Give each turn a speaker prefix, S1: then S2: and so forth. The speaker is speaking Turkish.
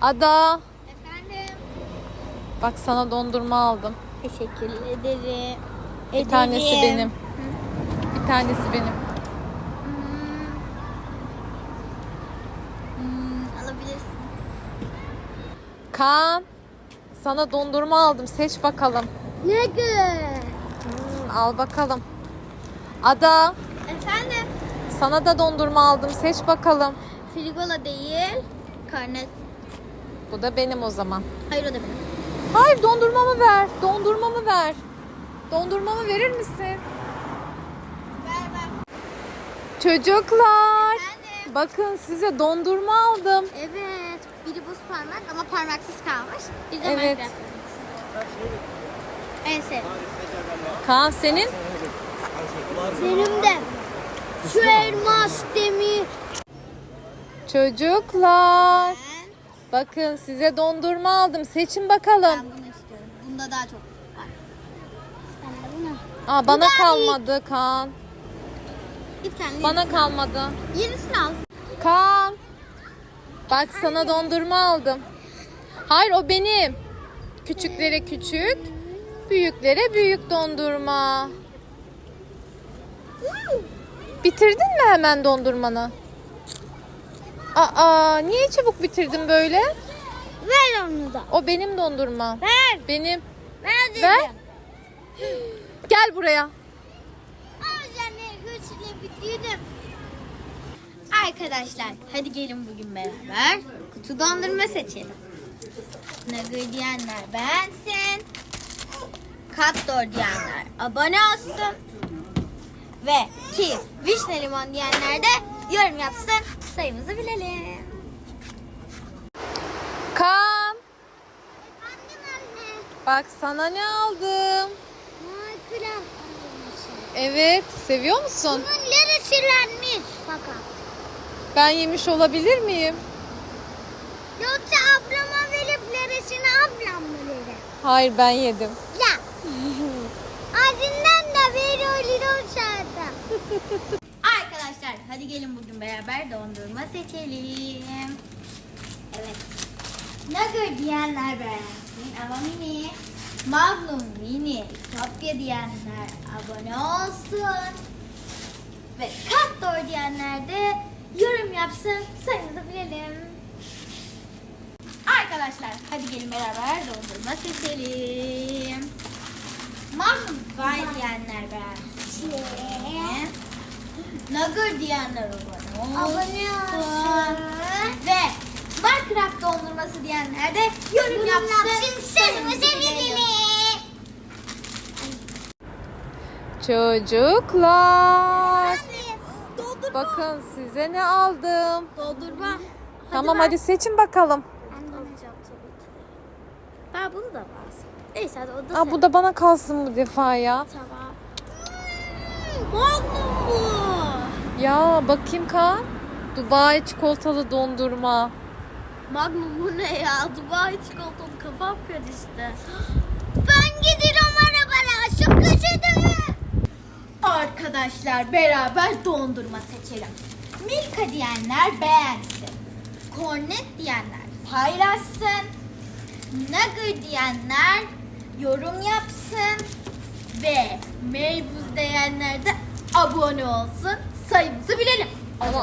S1: Ada,
S2: Efendim.
S1: bak sana dondurma aldım.
S2: Teşekkür ederim.
S1: Bir tanesi benim. Bir tanesi benim.
S2: Alabilirsin.
S1: Kaan, sana dondurma aldım. Seç bakalım.
S2: Ne güzel.
S1: Al bakalım. Ada,
S2: Efendim.
S1: sana da dondurma aldım. Seç bakalım.
S2: Frigola değil. Karnet.
S1: Bu da benim o zaman.
S2: Hayır, o da benim.
S1: Hayır, dondurmamı ver. Dondurmamı ver. Dondurmamı verir misin?
S2: Ver.
S1: Çocuklar,
S2: Efendim.
S1: bakın size dondurma aldım.
S2: Evet. Biri buz parmak ama parmaksız kalmış. Bir de
S1: Evet.
S2: Minecraft. En sevdiğim.
S1: Kaan senin?
S2: Benim de. Şu elmas demir.
S1: Çocuklar, bakın size dondurma aldım. Seçin bakalım.
S2: Ben bunu istiyorum. Bunda daha çok var. Ben de bunu.
S1: Aa, bana
S2: Bu da
S1: kalmadı Kaan.
S2: Git kendin.
S1: Bana kalmadı.
S2: Yenisini al.
S1: Kaan, bak sana dondurma aldım. Hayır, o benim. Küçüklere küçük, büyüklere büyük dondurma. Bitirdin mi hemen dondurmanı? Aa, niye çabuk bitirdin böyle?
S2: Ver onu da.
S1: O benim dondurma.
S2: Ver.
S1: Benim.
S2: Ver dedim.
S1: Ver. Gel buraya.
S2: Anne hırsıyla bitirdim. Arkadaşlar hadi gelin bugün beraber kutu dondurma seçelim. Nugget diyenler beğensin. Kattor diyenler abone olsun. Ve ki vişne limon diyenler de yorum yapsın. Sayımızı bilelim.
S1: Kaan,
S2: Annem anne.
S1: bak sana ne aldım.
S2: Minecraft.
S1: Evet, seviyor musun?
S2: Bunun yarısılanmış fakat.
S1: Ben yemiş olabilir miyim?
S2: Yoksa ablama verip yarısını ablam mı verir?
S1: Hayır, ben yedim.
S2: Ya. Ağzından da veriyor olsaydı. Arkadaşlar hadi gelin bugün beraber dondurma seçelim. Evet. Nugget diyenler beğensin ama mini. Magnum mini. Kopya diyenler abone olsun. Ve Kattor diyenler de yorum yapsın. Sayımızı bilelim. Arkadaşlar hadi gelin beraber dondurma seçelim. Magnum Vay diyenler beğensin. Nugget diyenler abone olsun. Ve Minecraft dondurması diyenler de yorum yapsın. Sayımızı bilelim.
S1: Çocuklar,
S2: Dondurma.
S1: bakın size ne aldım.
S2: Dondurma.
S1: Tamam, hadi seçin bakalım.
S2: Ben de alacağım tabii ki de. Ben bunu da alsın. Neyse hadi o da
S1: Aa, bu da bana kalsın bu defa ya.
S2: Tamam. Magnum bu.
S1: Ya bakayım Kaan. Dubai çikolatalı dondurma.
S2: Magnum bu ne ya? Dubai çikolatalı kafam karıştı. Ben gidiyorum arabaya. Şu köşede. Arkadaşlar beraber dondurma seçelim. Milka diyenler beğensin. Kornet diyenler paylaşsın. Nugget diyenler yorum yapsın. Ve meybuz diyenler de abone olsun. Sayımızı bilelim.
S1: Ama